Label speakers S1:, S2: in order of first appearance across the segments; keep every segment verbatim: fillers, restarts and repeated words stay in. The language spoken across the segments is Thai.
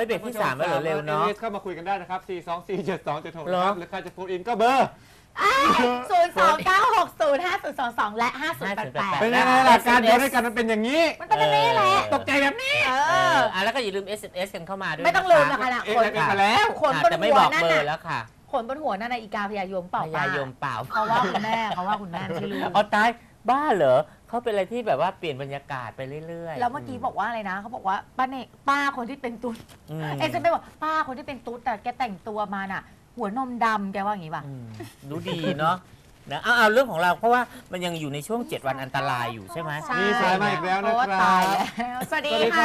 S1: ยเบรกที่สามแล้วเหรอเร็วเนาะ
S2: เข้ามาคุยกันได้นะครับสี่ สอง สี่ เจ็ด สอง เจ็ด หกนะครับหรือใครจะโฟนอินก็เบอร์
S3: ศูนย์ สอง เก้า หก ศูนย์ ห้า ศูนย์ สอง สองและห้า ศูนย์ แปด แปด
S2: เป็นยังไงล่ะการเดียวด้วยกันมันเป็นอย่างนี้
S3: มันเป็นอย่างนี้แหละ
S2: ตกใจแบบนี้
S3: เอ
S1: ออ่ะแล้วก็อย่าลืม เอส เอ็ม เอส กันเข้ามาด้วย
S3: ไม่ต้องลืมนะคะนะ
S2: ขนมาแล้ว
S3: ขนบนหัวนั่น
S1: แต่ไม่บอกเบอร์แล้วค่ะ
S3: ขนบนหัวนั่นนะอีกาพยายมเปล่า
S1: พยายมเปล่า
S3: เขาว่าคุณแม่เขาว่าคุณแม่ไม่รู้
S1: อ๋อตายบ้าเหรอเขาเป็นอะไรที่แบบว่าเปลี่ยนบรรยากาศไปเรื่อยๆ
S3: แล้วเมื่อกี้บอกว่าอะไรนะเขาบอกว่าป้าเนป้าคนที่เป็นตุ๊ดเอสเอ็มบอกป้าคนที่เป็นตุ๊ดแต่แกแต่งตัวมาน่ะหัวนมดำแกว่าอย่างนี้ป่ะ
S1: ดูดีเนาะนะเอาเอาเรื่องของเราเพราะว่ามันยังอยู่ในช่วงเจ็ดวันอันตรายอยู่ใช่ไหม
S2: มีสายมาอีกแล้วนะครับ
S3: สวัสดีค่ะ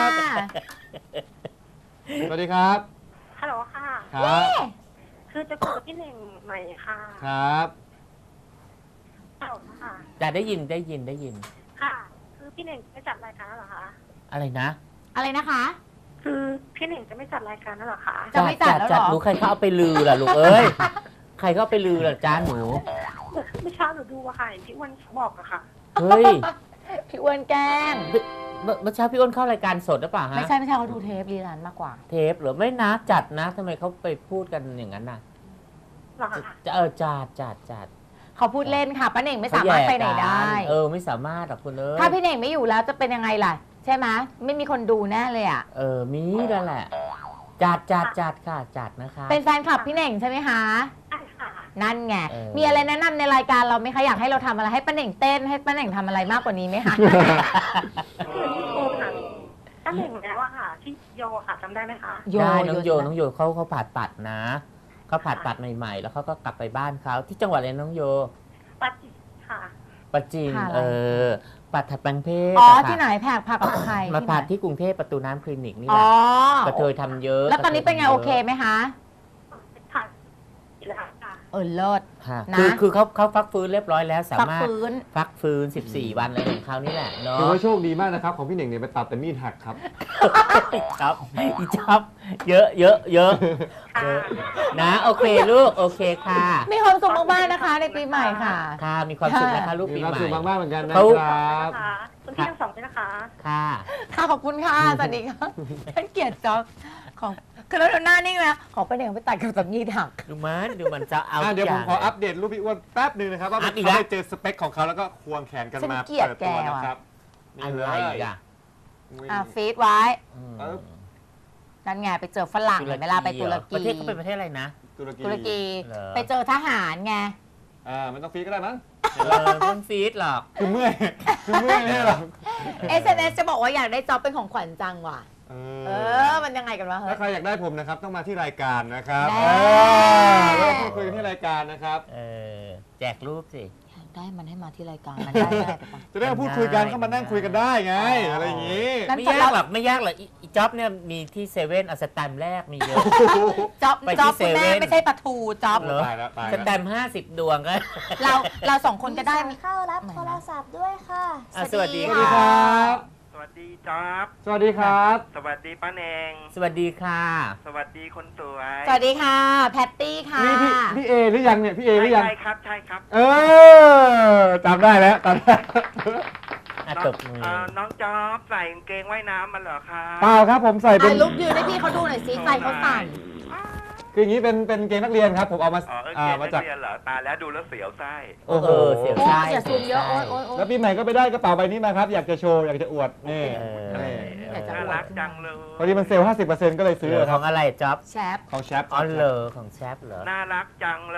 S2: สวัสดีครับ
S4: ฮัลโหลค่ะ
S2: ครับ
S4: คือจะคุยกับพี่เน่งหน่อยค่ะ
S2: ครับ
S4: ฮัลโหลค่ะ
S1: จะได้ยินได้ยินได้ยิน
S4: ค่ะคือพี่เน่งไม่จัดรายการแล้วเหรอคะ
S1: อะไรนะ
S3: อะไรนะคะ
S4: คือพี่เน่งจะไม่จัดรายการแล้วเหรอคะ
S3: จะไม่จัดแล้วหรอ
S1: รู้ใครเขาเอาไปลือล่ะลูกเอ้ยใครเขาเอาไปลือล่ะจ้าหนู
S4: ไม่เช้าหนูดูอะค่ะพี่อ้วนบอกอะค่ะ
S1: เฮ้ย
S3: พี่อ้วนแกล้ง
S1: เมื่อเช้าพี่อ้วนเข้ารายการสดหรือเปล่าฮะ
S3: ไม่ใช่ไม่ใช่เขาดูเทปรีรันมากกว่า
S1: เทปหรือไม่นะจัดนะทำไมเขาไปพูดกันอย่างนั้นน่ะ
S4: หรอ
S1: จะเออจัดจัดจัด
S3: เขาพูดเล่นค่ะป้าเน่งไม่สามารถไปไหนได้
S1: เออไม่สามารถหรอกคุณเอ้ย
S3: ถ้าพี่เน่งไม่อยู่แล้วจะเป็นยังไงล่ะใช่ไหมไม่มีคนดูแน่เลยอ่ะ
S1: เออมีนั่นแหละจัดจัดจัดค่ะจัดนะคะ
S3: เป็นแฟนคลับพี่เน่งใช่ไหมคะ
S4: ใช่ค่ะ
S3: นั่นไงมีอะไรแนะนำในรายการเราไหมคะอยากให้เราทำอะไรให้ป้าเน่งเต้นให้ป้าเน่งทำอะไรมากกว่านี้ไหมคะ
S4: คือพี่โอค่ะป้าเน่งแล้วอะค่ะที่โยค่ะจำได้ไหมคะ
S1: ได้น้องโยน้องโยเขาเขาผ่าตัดนะเขาผ่าตัดใหม่ๆแล้วเขาก็กลับไปบ้านเขาที่จังหวัดอะไรน้องโย
S4: ปัจจินค่ะ
S1: ปัจจินเออปัดถัดแปลงเพศ
S3: อ๋อที่ไหนแผกผักกับใคร
S1: มาผ่าที่กรุงเทพประตูน้ำคลินิกนี่แหละกระเทยทำเยอะ
S3: แล้วตอนนี้เป็นไงโอเคไหมคะ
S4: ค่ะแล้วค่ะ
S3: เออเลิศ
S1: นะคือคือเขาเขาฟักฟื้นเรียบร้อยแล้วสามารถฟักฟื้นสิบสี่วันอะไรของเขานี่แหละเนาะ
S2: ถือว่าโชคดีมากนะครับของพี่เน่งเนี่ยไปตัดแต่มีดหักครับ
S1: ครับอีจับเยอะเยอะเยอะนะโอเคลูกโอเคค่ะ
S3: มีความสุขมากๆนะคะในปีใหม่ค่ะ
S1: ค่ะมีความสุขนะคะลูกปีใหม่
S2: มีความสุขมากๆเหมือนกันนะครับ
S4: คุณพี่ทั้งสองด้วยนะคะ
S1: ค่ะ
S3: ค่ะขอบคุณค่ะสวัสดีค่ะท่านเกียรติจ๊อบของคือแล้วหน้านิ่งนะขอไปเด็กไปตัดกับแบบมีดหัก
S1: ดูมันดูมันจะเอา
S2: เดี๋ยวผมขออัปเดตรูปพี่อ้วนแป๊บนึงนะครับว่าเขาได้เจอสเปคของเขาแล้วก็ควงแขนกันมาเปิดตัวนะครับ
S1: อะไรอ่ะ
S3: อ่ะฟีดไว้นั่นไงไปเจอฝรั่งเห็นไหมล่ะไปตุรกี
S1: ประเทศเขาเป็นประเทศอะไรนะ
S3: ตุรกีไปเจอทหารไง
S2: อ่ามันต้องฟีดก็ได้มั้ง
S1: เออไม่ต้องฟีดหรอก
S2: คือเมื่อยคือเมื่อยไม่ใช่หรอก
S3: เอส เอ็ม เอส จะบอกว่าอยากได้จ็อบเป็นของขวัญจังว่ะเออมันยังไงกันวะ
S2: ถ้าใครอยากได้ผมนะครับต้องมาที่รายการนะครับเราพูดคุยกันที่รายการนะครับ
S1: เออแจกรูปสิ
S3: ได้มันให้มาที่รายการมันได้ได้ไป
S2: จะได้พูดคุยกันก็มานั่งคุยกันได้ไงอะไรอย่างงี้
S1: ไม่ยากหรอกไม่ยากหรอกอีจ็อบเนี่ยมีที่เซเว่นเอาสแตมป์แรกมีเยอะ
S3: จ็อบจ็อบคุณแม่ไม่ใช่ปลาทูจ็อบ
S2: เหรอ
S1: สแตมป์ห้าสิบดวงก็
S3: เราเราสองคนก็ได้
S5: เข้ารับโทรศัพท์ด้วยค่ะ
S1: สวัสดี
S2: ครับ
S6: สวัสดีจ๊อบ
S2: สวัสดีครับ
S6: สวัสดีป้าแนง
S1: สวัสดีค่ะ
S6: สวัสดีคนสวย
S3: สวัสดีค่ะแพตตี้ค่ะ
S2: นี่พี่พี่เอหรือยังเนี่ยพี่เอหรือยัง
S6: ใช่ครับใช่ครับ
S2: เออจำได้แล้วจำได้
S1: ตบมือ
S6: น้องจ๊อบใส่กางเกงว่ายน้ำมาเหรอคะ
S2: เปล่าครับผมใส่เป็น
S3: ลุกยืนให้พี่เขาดูหน่อยสิใส่เขาสั่น
S2: คืออย่างนี้เป็นเป็นเกงนักเรียนครับผมเอามา
S6: อ่ามาจากเรียนเหรอตาแล้วดูแล้วเสียวไส้
S1: โอ้โหเสียวไส้
S3: เสียซูมเยอะโอ๊ยโอ๊ย
S2: แล้วปีใหม่ก็ไปได้กระเป๋าใบนี้มาครับอยากจะโชว์อยากจะอวดนี่
S6: น่ารักจังเลย
S2: พอดีมันเซลล์ ห้าสิบเปอร์เซ็นต์ ก็เลยซื้อ
S1: ของอะไรจ๊อบ
S3: แชป
S2: ของแชป
S1: อ๋อเหรอของแชปเหรอ
S6: น่ารักจังเลย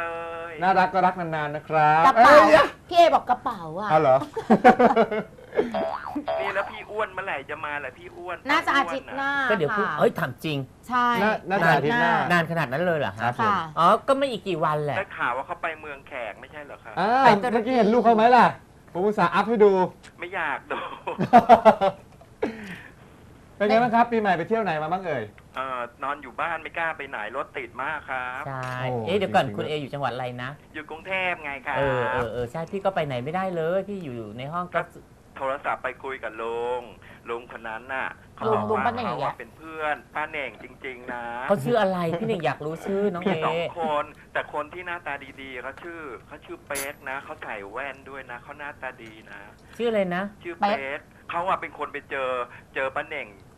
S2: น่ารักก็รักนานๆนะครับ
S3: กระเป๋าพี่เอบอกกระเป๋าอ่ะ
S2: อ๋อเหรอ
S6: นี่แล้วพี่อ้วนเมื่อไหร่จะมาแหละพี่อ้วน
S3: น่าจะอาทิตย์หน้า
S1: ก็เดี๋ยวพูดเฮ้ยถามจริง
S3: ใช่
S2: น่าจะอาทิตย์หน้าน
S1: านขนาดนั้นเลยเหรอครับอ๋อก็ไม่อีกกี่วันแหละ
S6: ได้ข่าวว่าเขาไปเมืองแขกไม่ใช่เหรอครับ
S2: อ่าเมื่อกี้เห็นลูกเขาไหมล่ะผมอุตส่าห์อัพให้ดู
S6: ไม่อยากดู
S2: เป็นไงบ้างครับปีใหม่ไปเที่ยวไหนมาบ้างเอ่ย
S6: เอ่อนอนอยู่บ้านไม่กล้าไปไหนรถติดมากครับ
S1: ใช่เอ๊ะเดี๋ยวก่อนคุณเออยู่จังหวัดอะไรนะ
S6: อยู่กรุงเทพไงครับ
S1: เออเออเออใช่พี่ก็ไปไหนไม่ได้เลยพี่อยู่ในห้องก็
S6: โทรศัพท์ไปคุยกับลุงลุงคนนั้นน่ะเขาบอกว่าเขาเป็นเพื่อนป้าเน่งจริงๆนะ
S1: เขาชื่ออะไรพี่เน่งอยากรู้ชื่อน้องเอ
S6: มีสองคนแต่คนที่หน้าตาดีๆเขาชื่อเขาชื่อเป๊กนะเขาใส่แว่นด้วยนะเขาหน้าตาดีนะ
S1: ชื่ออะไรนะ
S6: ชื่อเป๊กเขาอะเป็นคนไปเจอเจอป้าเน่ง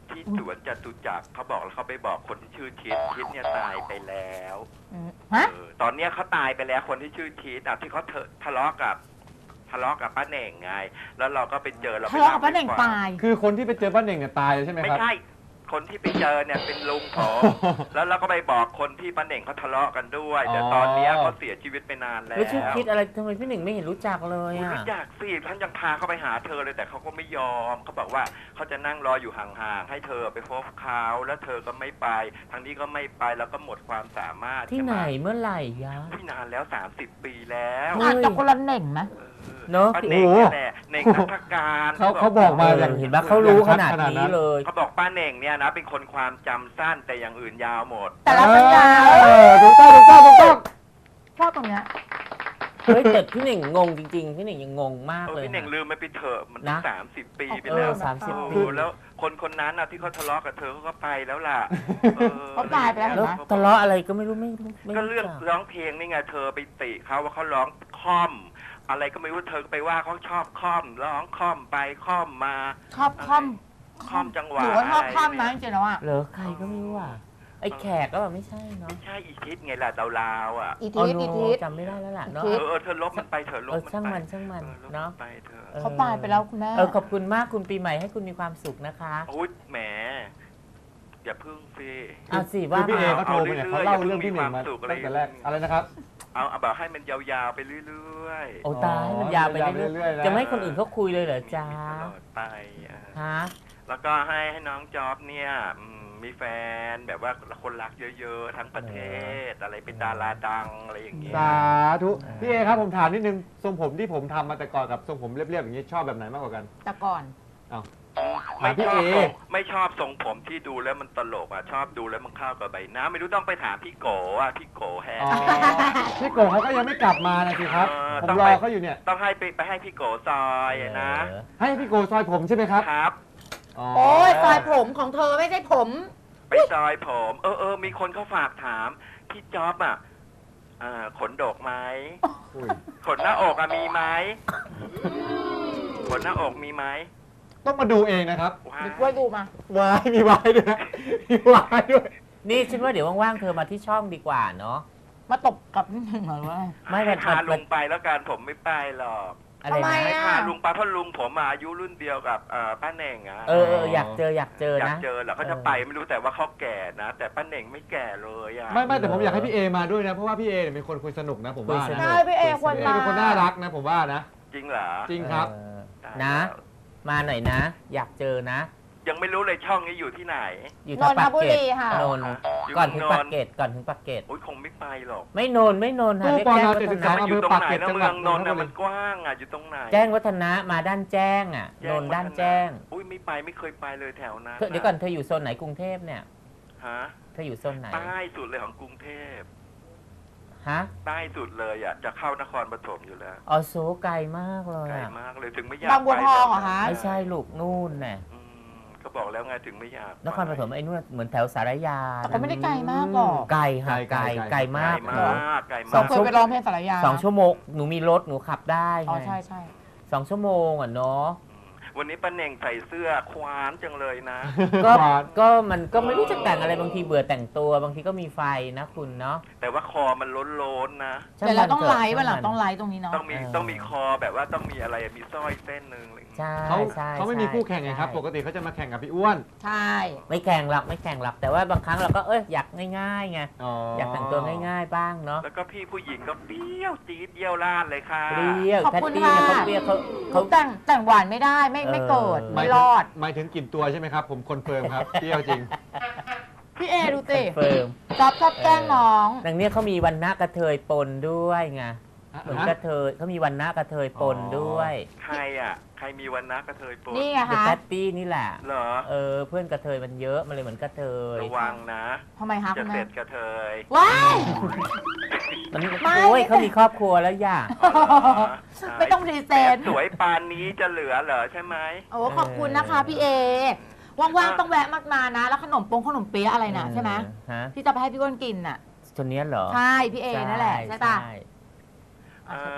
S6: ที่สวนจตุจักรเขาบอกแล้วเขาไปบอกคนที่ชื่อทิศทิศเนี่ยตายไปแล้ว
S3: อืมฮะ
S6: เออตอนเนี้ยเขาตายไปแล้วคนที่ชื่อทิศอ่ะที่เขาเถอะทะเลาะกับทะเลาะกับป้าเหน่งไง แล้วเราก็ไปเจอเรา
S3: ทะเลาะกับป้าเหน่งตาย
S2: คือคนที่ไปเจอป้าเหน่งเนี่ยตายเลยใช่ไหม
S6: ไม่
S2: ครับ
S6: ใช่คนที่ไปเจอเนี่ยเป็นลุงผมแล้วเราก็ไปบอกคนที่ป้าเหน่งเขาทะเลาะกันด้วยแต่ตอนเนี้ยเขาเสียชีวิตไปนานแล้ว
S1: แล้วชื่อคิดอะไรทำไมพี่หนึ่งไม่เห็นรู้จักเลย
S6: อุ๊ย
S1: อ่ะ
S6: รู้จักสิท่านยังพาเขาไปหาเธอเลยแต่เขาก็ไม่ยอมเขาบอกว่าเขาจะนั่งรออยู่ห่างๆให้เธอไปพบเขาแล้วเธอก็ไม่ไปทางนี้ก็ไม่ไปแล้วก็หมดความสามารถ
S1: ที่ไหน
S6: ใช่
S1: เมื่อไหร่ยะ
S6: ที่นานแล้วสามสิบปีแล้ว
S1: เฮ้ย
S3: อาจจะคนละเหน่งนะ
S1: เนอะ
S6: ป้าเหน่งเนี่ยแหละเหน่งนักการ
S2: เขาเขาบอกมา
S1: เอ
S2: อย่าง
S1: อเห็นปะเขารู้ขนาดนี้เลย
S6: เขาบอกป้าเหน่งเนี่ยนะเป็นคนความจำสั้นแต่อย่างอื่นยาวหมด
S3: แต่ละสัญญา
S2: เออถูกต้องถูกต้องถูกต้อง
S3: ชอบตรงเนี้ย
S1: เฮ้ยแต่พี่หนึ่งงงจริงๆ พี่หนึ่งยังงงมาก
S6: เออ
S1: เลย
S6: พี่เหน่งลืมไปไปเถอะมัน
S1: นะ
S6: สามสิบปีไป
S1: เอ
S6: แล้
S1: อ
S6: ว
S1: สามสิบ
S6: โอ้
S1: ปี
S6: แล้วคนคนนั้นน่ะที่เขาทะเลาะกับเธอเขาก็ไปแล้วล่ะ
S3: เขาตายไปแล้ว
S1: แล้ว
S3: เห็นไหม
S1: ทะเลาะอะไรก็ไม่รู้ไม่รู้ไม่
S6: ก็เรื่อง
S1: จั
S6: ร้องเพลงนี่ไงเธอไปติเขาว่าเขาร้องค่อม อะไรก็ไม่รู้เธอก็ไปว่าเขาชอบค่อมร้องค่อมไปค่อมมา
S3: ชอบคอม
S6: ค่อมจังหวะ
S3: หรือว่าชอบคอม
S6: อะไร
S3: นะ
S6: เนี่ย
S3: จริงๆแล้วอ่ะ
S1: เหรอใครก็ไม่รู้อ่ะไอ้แขกก็แบบไม่ใช่เนาะ
S6: ไม่ใช่อีทิศไงล่ะดาวๆอ่ะ
S3: อี
S1: อ๋อ
S3: ทิศ
S1: โน
S3: อีทิศ
S1: จำไม่ได้แล้วล่ะเนาะ
S3: อี
S6: เอ
S3: ทิศ
S6: อเออเธอลบมันไปเธอลบ
S1: เออ
S6: มัน
S1: ช่าง
S6: ไป
S1: มันช่างมัน
S6: ออลบ
S1: เนาะ
S6: ไปเธอ
S3: เขาตายไปแล้วคุณแม่
S1: เออขอบคุณมากคุณปีใหม่ให้คุณมีความสุขนะคะ
S6: โอ้ยแหมอย่าพึ่งสิ
S1: เอาสิ
S2: คือ
S1: ว่า
S2: พี่เอ
S1: มา
S2: เขาโทรมาเนี่ยเขาเล่าเรื่องพี่เหน่งมาตั้งแต่แรกอะไรนะครับ
S6: เอาเอาแบบให้มันยาวๆไปเรื่อย
S1: โอ้ตายมันยาวไป
S2: ยาวไป
S1: เรื่
S2: เรื่
S1: อ
S2: อย ยๆนะ
S1: ๆจะไม่ให้คนอื่นเขาคุยเลยเหรอ
S6: ๆ
S1: จ๊ะ
S6: ตลอดไปอ่ะ
S1: ฮะ
S6: แล้วก็ให้ให้น้องจ๊อบเนี่ยอืมมีแฟนแบบว่าคนรักเยอะๆทั้งประเทศ อะไรเป็นดาราดังอะไรอย่างเงี้ย
S2: สาธุพี่เอครับผมถามนิดนึงทรงผมที่ผมทำมาแต่ก่อนกับทรงผมเรียบๆอย่างนี้ชอบแบบไหนมากกว่ากัน
S3: แต่ก่อน
S6: ไม่
S2: พี่
S6: ช
S2: เอ
S6: อบทรงไม่ชอบทรงผมที่ดูแล้วมันตลกอ่ะชอบดูแล้วมันเข้ากับใบหน้าไม่รู้ต้องไปถามพี่โกอ่ะพี่โกแฮ
S2: อ๋อพี่โกเขาก็ยังไม่กลับมานะสิครับ
S6: เออ
S2: ผม
S6: ต้อง
S2: ร
S6: ไป
S2: อเขาอยู่เนี่ย
S6: ต้องให้ไปไปให้พี่โกซอยอะนะ
S1: เออ
S2: ให้พี่โกซอยผมใช่ไหมครับ
S6: ครับ
S3: โอ้ยซอยผมของเธอไม่ใช่ผม
S6: ไปซอยผม เออเออมีคนเขาฝากถามพี่จ๊อบอ่ะอ่าขนดกไหม
S2: อุ้ย
S6: ขนหน้าอกอะมีไหมขนหน้าอกมีไหม
S2: ต้องมาดูเองนะครับ
S6: ว้า
S3: นึกว่าดูมา
S2: วายมีวายด้วยนะมีวายด้วย
S1: นี่ฉันว่าเดี๋ยวว่างๆเธอมาที่ช่องดีกว่าเนาะ
S3: มาตบกับนิดนึงเหรอวะ
S1: ไม่
S6: ให้
S1: มัน
S6: พา
S1: มัน
S6: ลุงไปแล้วกันผมไม่ไปหรอก
S1: อะไร
S3: ทำไม
S1: นะ
S6: ให้
S3: อ่ะ
S6: พาลุงไปเพราะลุงผมอะอายุรุ่นเดียวกับเอ่อป้าเหน่งอะ
S1: เออเอออยากเจออยากเจอ
S6: อยาก
S1: นะ
S6: เจอเหรอเขาจะไปไม่รู้แต่ว่าเขาแก่นะ แต่ป้าเหน่งไม่แก่เลยอะ
S2: ไม่ไม่แต่ผมอยากให้พี่เอมาด้วยนะ เพราะว่าพี่เอเนี่ยเป็นคนคุยสนุกนะผมว่า
S1: คุยสนุ
S2: นะ
S1: ก
S3: ใช่พี่เอควร
S2: พี่เอ
S3: มา
S2: เป็นคนน่ารักนะผมว่านะ
S6: จริงเหรอ
S2: จริงครับ
S1: เออ
S6: ได้
S1: นะ
S6: แล้ว
S1: มาหน่อยนะ อยากเจอนะ
S6: ยังไม่รู้เลยช่องนี้อยู่ที่ไหน
S1: อยู่
S3: น
S1: ทาง
S3: นท
S1: ปาก
S3: บุ
S1: เกร็ด
S3: รีค่ะ
S1: นนท์
S6: อยู่
S1: ก่อนถึง
S6: นนท์
S1: ปากเกร็ดก่อนถึงปากเกร็ด
S6: โอ้ยคงไม่ไปหรอก
S1: ไม่นนท์ไม่นนท์ค่ะ
S2: ตู้
S1: เรียก
S2: ปอ
S1: แจ้ง
S2: น
S1: วั
S2: เจ็ด
S1: ฒ
S2: สิบ
S1: นะ
S2: สาม
S6: มันอยู่ตรงไหนนะ
S2: อำเภอปากเกร็ด
S6: เมืองนนท์
S2: จั
S6: น่ะ
S2: งหวัดนนทบุรี
S6: มันกว้างอ่ะอยู่ตรงไหน
S1: แจ้งวัฒนะมาด้านแจ้งอ่ะ
S6: แจ้
S1: น
S6: ง
S1: นท์
S6: วัฒะ
S1: ด้านแจ้ง
S6: อุ้ยไม่ไปไม่เคยไปเลยแถวนั้น
S1: เธอเดี๋ยวก่อนเธออยู่โซนไหนกรุงเทพเนี่ย
S6: ฮะ
S1: เธออยู่โซนไหน
S6: ใต้สุดเลยของกรุงเทพ
S1: ฮะ
S6: ใต้สุดเลยอ่ะจะเข้านครปฐมอยู่แล้ว
S1: อ๋อโซไกลมากเลย
S6: ไกล
S1: อ่ะ
S6: มากเลยถึงไม่อยาก
S3: บางบัว
S6: ไป
S3: ทองเหรอคะ
S1: ไม่ใช่ลูกนู่นน่ะ
S6: อืมก็บอกแล้วไงถึงไม่อยาก
S1: นครปฐมไอ้นู่นเหมือนแถวสารยา
S3: แต่ก็ไม่ได้ไกลมากหรอก
S1: ไกลค่ะไกลไกล
S6: ไกล
S1: มาก
S6: มากไกล
S3: เรา
S6: มาก
S3: เคยไปร้องเพลงสารยา
S1: สองชั่วโมงหนูมีรถหนูขับได้
S3: อ๋อ
S1: ไง
S3: ใช่ใช่
S1: สองชั่วโมงอ่ะเนาะ
S6: วันนี้ป้าเน่งใส่เสื้อควานจังเลยนะ
S1: ก็
S2: หวาน
S1: ก็มันก็ไม่รู้จะแต่งอะไรบางทีเบื่อแต่งตัวบางทีก็มีไฟนะคุณเนาะ
S6: แต่ว่าคอมันล้นๆนะ
S3: เดี๋ยวเราต้องไลฟ์
S1: ช่
S3: วันหลัง
S1: มัน
S3: ต้องไลฟ์ตรงนี้เนาะ
S6: ต้องมี
S1: เออ
S6: ต้องมีคอแบบว่าต้องมีอะไรมีสร้อยเส้นหนึ่งอะไรอย่างเงี้ย
S1: ใช่
S2: เขา
S1: ใช่
S2: เขาไม่มี
S1: ใช่
S2: คู่แข่งไงครับ
S1: ใช่
S2: ปกติเขาจะมาแข่งกับพี่อ้วน
S3: ใช่
S1: ไม่แข่งหรอกไม่แข่งหรอกแต่ว่าบางครั้งเราก็เอ้ยอยากง่ายๆไง
S2: อ๋อ
S1: อ
S2: อย
S1: ากแต่งตัวง่ายๆบ้างเนาะ
S6: แล้วก็พี่ผู้หญิงก็เปรี้ยวจี๊ดเยี่ยวราดเลยค่ะ
S1: เปรี้ยว
S3: ขอบ
S1: แทต
S3: คุณ
S1: ตี้
S3: ค่ะ
S1: เนี่ยเขาเปรี้ยวเขา
S3: หนู
S1: เขา
S3: แต่งแต่งหวานไม่ได้ไม่ไม่เกิด
S1: เออ
S3: ไม่รอด
S2: หมายถึงกลิ่นตัวใช่ไหมครับ ผมคอนเฟิร์มครับ เปรี้ยวจริง
S3: พี่เอดูสิ
S1: เฟิร์ม
S3: จ๊อบชอบแกล้งน้อง
S1: ดังเนี้ยเขามีวันหน้ากระเทยปนด้วยไงเหมือน
S2: ฮะ
S1: กระเทยเขามีวันหน้ากระเทยปนด้วย
S6: ใครอ่ะ ใครมีวันนักกระเทยโปน
S3: นี่ไง
S1: เดอะ
S3: คะ
S1: แพตตี้นี่แหละ
S6: เหรอ
S1: เออเพื่อนกระเทยมันเยอะมันเลยเหมือนกระเทย
S6: ระวังนะ
S3: ทำไมคะ
S6: จะ
S3: คุณ
S6: เสร็
S3: แม่
S6: จกระเทย
S3: ว้าย
S1: มัน
S3: ไม่
S1: โอ้ยเขามีครอบครัวแล้วอย่า
S6: อ๋อเหรอ
S3: ไม่ต้องพรีเซนต์
S6: สวยปานนี้จะเหลือเหรอใช่ไหม
S3: โอ้ขอบคุณนะคะพี่เอว่างๆต้องแวะมามานะ แล้วขนมปงขนมเปี๊ยะอะไรน่ะใช่ไหม
S1: ฮะ
S3: ที่จะไปให้พี่อ้วนกินน่ะ
S1: ตัวเนี้ยเหรอ
S3: ใช่พี่เอนั่นแหละใช่ปะ
S1: ใช่
S6: เออพี่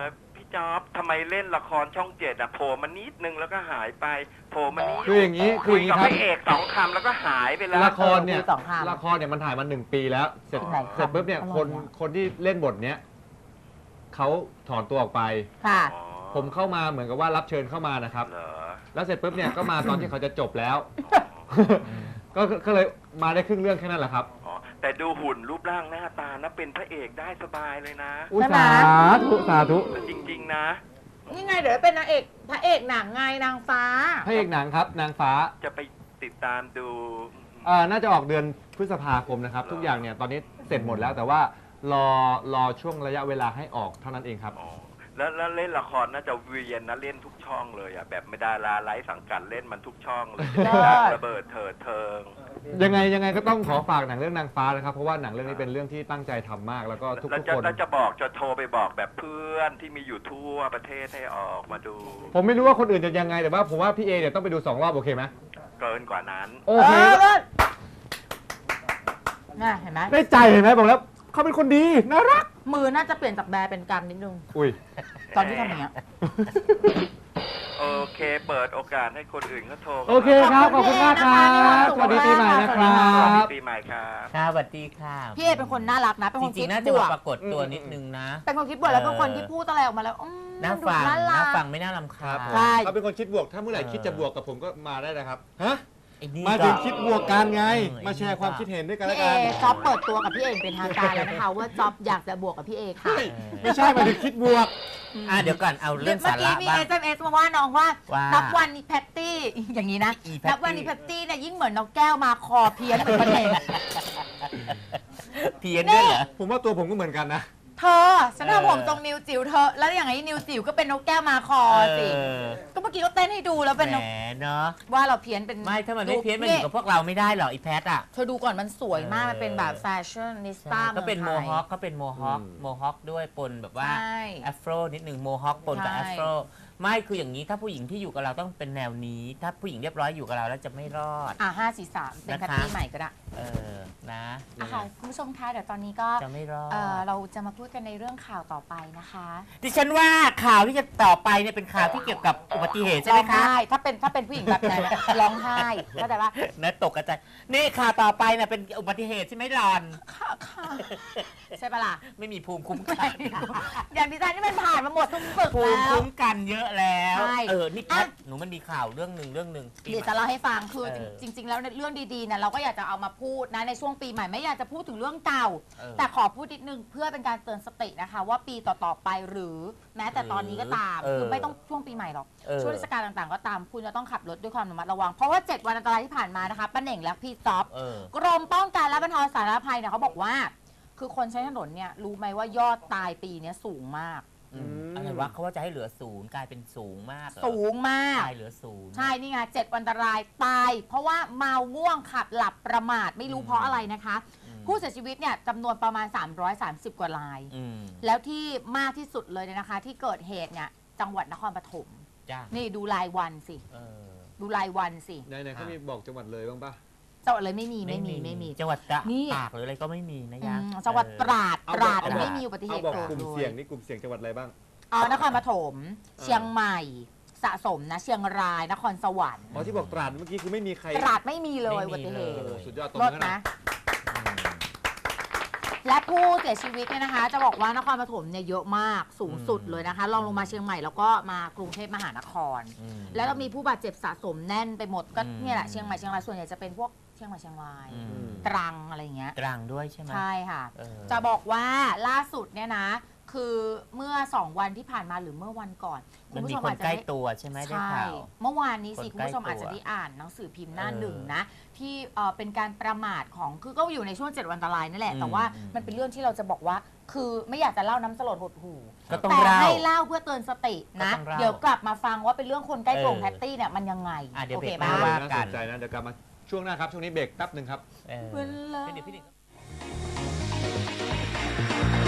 S6: จ๊อบทำไมเล่นละครช่องเจ็ดอะโผล่มานิดนึงแล้วก็หายไปโผล่มานิด
S2: คืออย่างนี้คืออย่างนี้
S6: กับ
S2: ค
S6: พ
S2: รับ
S6: ระเอกสองคำแล้วก็หายไปแล้ว
S2: ละครเนี่ย
S3: เออมีสองคำ
S2: ละครเนี่ยมันถ่ายมาหนึ่งปีแล้ว เสร็จ
S3: ไหน
S2: เสร็จปุ๊บเนี่ย
S3: อร่อย
S2: คน
S3: อะ
S2: คนที่เล่นบทเนี้ยเขาถอนตัวออกไป
S3: ค่ะ
S6: อ๋อ
S2: ผมเข้ามาเหมือนกับว่ารับเชิญเข้ามานะครับ
S6: เหรอ
S2: แล้วเสร็จปุ๊บเนี่ยก็มาตอนที่เขาจะจบแล้ว ก็ก็เลยมาได้ครึ่งเรื่องแค่นั้นแหละครับ
S6: อ๋อแต่ดูหุ่นรูปร่างหน้าตานะเป็นพระเอกได้สบายเลยนะ
S2: อุย
S3: ใช่ไหม
S2: สาธุสาธุ
S6: จริง ๆ นะ
S3: นี่ไงเดี๋ยวเป็นนางเอกพระเอกหนังไงนางฟ้า
S2: พระเอกหนังครับ นางฟ้า
S6: จะไปติดตามดู
S2: เอ่อน่าจะออกเดือนพฤษภาคมนะครับ ทุกอย่างเนี่ยตอนนี้เสร็จหมดแล้ว แต่ว่ารอรอช่วงระยะเวลาให้ออกเท่านั้นเองครับ
S6: อ๋อแล้วแล้วเล่นละครน่าจะเวียนนะเล่นทุกช่องเลยอ่ะแบบไม่ดาราไร้สังกัดเล่นมันทุกช่องเลย
S3: เลิศ
S6: ดังระเบิดเถิดเทิง
S2: ยังไงยังไงก็ต้องขอฝากหนังเรื่องนางฟ้านะครับ เพราะว่าหนังเรื่องนี้เป็นเรื่องที่ตั้งใจทำมาก แล้วก็ทุก
S6: แล้ว
S2: ทุก
S6: จะ
S2: คน
S6: แล้วจะบอกจะโทรไปบอกแบบเพื่อนที่มีอยู่ทั่วประเทศให้ออกมาดู
S2: ผมไม่รู้ว่าคนอื่นจะยังไงแต่ว่าผมว่าพี่เอเนี่ยต้องไปดูสองรอบโอเคไหม
S6: เกินกว่านั้น
S2: โอเค
S3: เลิศน่ะเห็นไหม
S2: ได้ใจเห็นไหมบอกแล้วเขาเป็นคนดีน่ารัก
S3: มือน่าจะเปลี่ยนจากแบร์เป็นกำนิดนึง
S2: อุ้ย
S3: ตอนที่ทำอย่างเงี้ย
S6: โอเค เปิดโอกาสให้คนอื่นเขาโทร
S2: โอเคครับขอบคุณมากครับสวัสดีปีใหม่นะครั
S6: สวัสดี
S2: บ
S6: ปีใหม่ครับ
S1: ค่ะสวัสดีค่ะ
S3: พี่เอเป็นคนน่ารักนะ เป็น
S1: จ
S3: คน
S1: ริ
S3: คิ
S1: ง
S3: ด
S1: ๆน่าจะ
S3: บว
S1: มาก ปรากฏตัวนิดนึงนะ
S3: เป็นคนคิดบวกแล้วเป็นคนที่พูดอะไรออกมาแล้วอืม
S1: น่า
S3: ดู
S1: ฟัง
S3: น่ารั
S1: น่าก ฟังไม่น่ารำ
S2: ค
S1: คา
S2: รั
S1: ญ
S2: บ
S3: ใช่
S2: เขาเป็นคนคิดบวกถ้าเมื่อไหร่คิดจะบวกกับผมก็มาได้นะครับฮะ
S1: ไอ้นี่
S2: มา
S1: ก็
S2: ถึงคิดบวกกันไง
S1: เออ
S2: มาแชร์ความคิดเห็นด้วยกันแล้
S3: พี่
S2: ว
S3: เอ
S2: กัน
S3: จ๊อบเปิดตัวกับพี่เอเป็นทางการแล้วนะคะว่าจ๊อบอยากจะบวกกับพี่เอค่ะ
S2: ไม่ใช่มาถึงคิดบวก
S1: อ่ะเดี๋ยวก่อนเอาเรื่อง
S3: เมื่
S1: สา
S3: อกี้
S1: ระ
S3: มี
S1: บ้าง
S3: เอสเอ็มเอสมาว่าน้องว่า
S1: ว่า
S3: นับวันนี้แพตตี้อย่างนี้นะ
S1: อีแพตตี้
S3: นับวันนี้แพตตี้เนี่ยยิ่งเหมือนน้องแก้วมาคอเพี้ยนเหมือนกันเอง
S1: เพี้ยนด้วยเหรอ
S2: ผมว่าตัวผมก็เหมือนกันนะ
S3: เธอฉันทำผมทรงนิวจิ๋วเธอแล้วอย่างไอ้นิวจิ๋วก็เป็นนกแก้วมาคอสิ
S1: เออ
S3: ก็เมื่อกี้ก็เต้นให้ดูแล้วเป็น
S1: แห
S3: น
S1: ม
S3: ก
S1: เนาะ
S3: ว่าเราเพี้ยนเป็น
S1: ไม่ถ้ามันไม่เพี้ยนมันอยู่กับพวกเราไม่ได้หรอกอีแพทอ่ะ
S3: เธอดูก่อนมันสวยมาก
S1: เออ
S3: มันเป็นแบบแฟชั่นนิสต้า
S1: ก็เป็นโมฮอคก็เป็นโมฮอค
S2: อืม
S1: โมฮอคด้วยปนแบบว่า
S3: ใช่
S1: แอฟโรนิดหนึ่งโมฮอคปนกับ
S3: ใช่
S1: แอฟโรไม่คืออย่างนี้ถ้าผู้หญิงที่อยู่กับเราต้องเป็นแนวนี้ ถ้าผู้หญิงเรียบร้อยอยู่กับเราแล้วจะไม่รอด
S3: อ่ะห้าสี่สามเป็นแพตตี้
S1: นะคะ
S3: ใหม่ก็ได้
S1: เออนะ
S3: อ่ะค่ะคุณผู้ชมคะเดี๋ยวตอนนี้ก็
S1: จะไม่รอด
S3: เอ่อเราจะมาพูดกันในเรื่องข่าวต่อไปนะคะ
S1: ดิฉันว่าข่าวที่จะต่อไปเนี่ยเป็นข่าวที่เกี่ยวกับอุบัติเหตุใช่ไหม
S3: ร้อง
S1: คะ
S3: ไห้ถ้าเป็นถ้าเป็นผู้หญิงแบบนั้นร้องไห้เข้าใจปะ
S1: นะตกกระจายนี่ข่าวต่อไปเนี่ยเป็นอุบัติเหตุใช่ไหมหลอน
S3: ค่ะค่ะใช่ปะล่ะ
S1: ไม่มีภูมิคุ้มกัน
S3: อย่างดิฉันนี่มันผ่านมาหมดทุกฝึก
S1: ภูมิ
S3: แล้ว
S1: คุ้มกันเยอะแล้ว
S3: ใช่
S1: เออนี่แพท
S3: อ่ะ
S1: หนูมันมีข่าวเรื่องหนึ่งเรื่องหนึ่งปี
S3: เดี๋ยว
S1: ใหม่
S3: จะเล่าให้ฟังคือ
S1: เออ
S3: จริง ๆ แล้วในเรื่องดีๆเนี่ยเราก็อยากจะเอามาพูดนะในช่วงปีใหม่ไม่อยากจะพูดถึงเรื่องเก่า
S1: เออ
S3: แต่ขอพูดนิดนึงเพื่อเป็นการเตือนสตินะคะ ว่าปีต่อๆไปหรือแม้แต่ตอนนี้ก็ตาม
S1: เออ
S3: คือไม่ต้องช่วงปีใหม่หรอก
S1: เออ
S3: ช่วงเทศกาลต่างๆ ก็ตาม คุณจะต้องขับรถด้วยความระมัดระวัง เพราะว่าเจ็ดวันอันตรายที่ผ่านมานะคะป้าเหน่งและพี่จ๊อบ
S1: เออ
S3: กรมป้องกันและบรรเทาสาธารณภัยเนี่ยเขาบอกว่า คือคนใช้ถนนเนี่ยรู้ไหมว่ายอดตายปีเนี้ยสูงมาก
S1: อืมอะไรวะเขาว่าจะให้เหลือศูนย์กลายเป็นสูงมากเหรอ
S3: สูงมาก
S1: ตายเหลือศูนย์
S3: ใช่ นี่ไงเจ็ดวันอันตรายตาย เพราะว่าเมาง่วงขับหลับประมาทไม่รู้
S1: อืม
S3: เพราะอะไรนะคะ
S1: อืม
S3: ผู้เสียชีวิตเนี่ยจำนวนประมาณ สามร้อยสามสิบ กว่าราย
S1: อืม
S3: แล้วที่มากที่สุดเลยเนี่ยนะคะ ที่เกิดเหตุเนี่ยจังหวัดนครปฐม
S1: จ้า
S3: นี่ดูรายวันสิ
S1: เออ
S3: ดูรายวันสิ
S2: ไหนๆเขามีบอกจังหวัดเลยบ้างปะ
S3: จังหวัดเลยไม่มีไม่มีไม่มี
S1: จังหวัดตรา
S3: นี่
S1: ตากหรืออะไรก็ไม่มีนะ
S3: อื
S1: ยะ
S3: มจังหวัดตราด
S2: เอา
S3: ตราด
S2: เอา
S3: ไม่มีอุบัติเห
S2: เอา
S3: ตุ
S2: บอก
S3: เกิด
S2: กลุ่ม
S3: เล
S2: เสี่ย
S3: ย
S2: งนี่กลุ่มเสี่ยงจังหวัดอะไรบ้าง
S3: อ๋อนครปฐมเชียงใหม่ สะสมนะเชียงรายนครสวรรค์
S2: อ๋อที่บอกตราดเมื่อกี้คือไม่มีใคร
S3: ตราดไม่มีเลย
S1: ไม่มี
S3: อุบัติเหตุ
S1: เลย
S2: โอ้สุดยอดตรง
S3: ลด
S2: นั้น
S3: นะ
S2: นะ
S1: อืม
S3: และผู้เสียชีวิตเนี่ยนะคะ จะบอกว่านครปฐมเนี่ยเยอะมากสูงสุด
S1: อืม
S3: เลยนะคะรองลงมาเชียงใหม่แล้วก็มากรุงเทพมหานคร
S1: อืม
S3: แล้วก็มีผู้บาดเจ็บสะสมแน่นไปหมดก็
S1: อืม
S3: เนี่ยแหละเชียงใหม่เชียงรายส่วนใหญ่จะเป็นพวกเชียงใหม่เชียงราย
S1: อืม
S3: ตรังอะไรอย่างเงี้ย
S1: ตรังด้วยใช่ไหม
S3: ใช่ค่ะ
S1: เออ
S3: จะบอกว่าล่าสุดเนี่ยนะ คือเมื่อสองวันที่ผ่านมาหรือเมื่อวันก่อนคุ
S1: มั
S3: ณ
S1: น
S3: ผู้
S1: มี
S3: ชม
S1: คน
S3: อาจจะ
S1: ใกล้
S3: ได้
S1: ตัวใช่ไหมได้
S3: ใช่
S1: ข่าว
S3: เมื่อวานนี้สิ
S1: คน
S3: คุณผู้ชม
S1: ใกล้ตัว
S3: อาจจะได้อ่านหนังสือพิมพ์หน้า
S1: เออ
S3: หนึ่งนะ ที่เอ่อเป็นการประมาทของคือก็อยู่ในช่วงเจ็ดวันอันตรายนั่นแหละ
S1: อืม
S3: แต่ว่า
S1: อืม
S3: มันเป็นเรื่องที่เราจะบอกว่า คือไม่อยากจะเล่าน้ำสลดหดหู
S1: ก็ต้อง
S3: แต่
S1: เล่า
S3: ให้เล่าเพื่อเตือนสตินะ
S1: ก็ต้องเล่า
S3: เดี๋ยวกลับมาฟังว่าเป็นเรื่องคนใกล้ตัวของ
S1: เออ
S3: แพตตี้เนี่ยมันยังไง
S1: อ่ะเดี๋ยว
S3: โอเค
S1: เบรกห
S3: ปะ
S1: น้าว่า
S2: น่าสนใจนะ เดี๋ยวกลับมาช่วงหน้าครับ ช่วงนี้เบรกแป๊บหนึ่งครับ
S1: เออ
S3: เวลา
S1: เดี๋ยวพี่หนึ่ง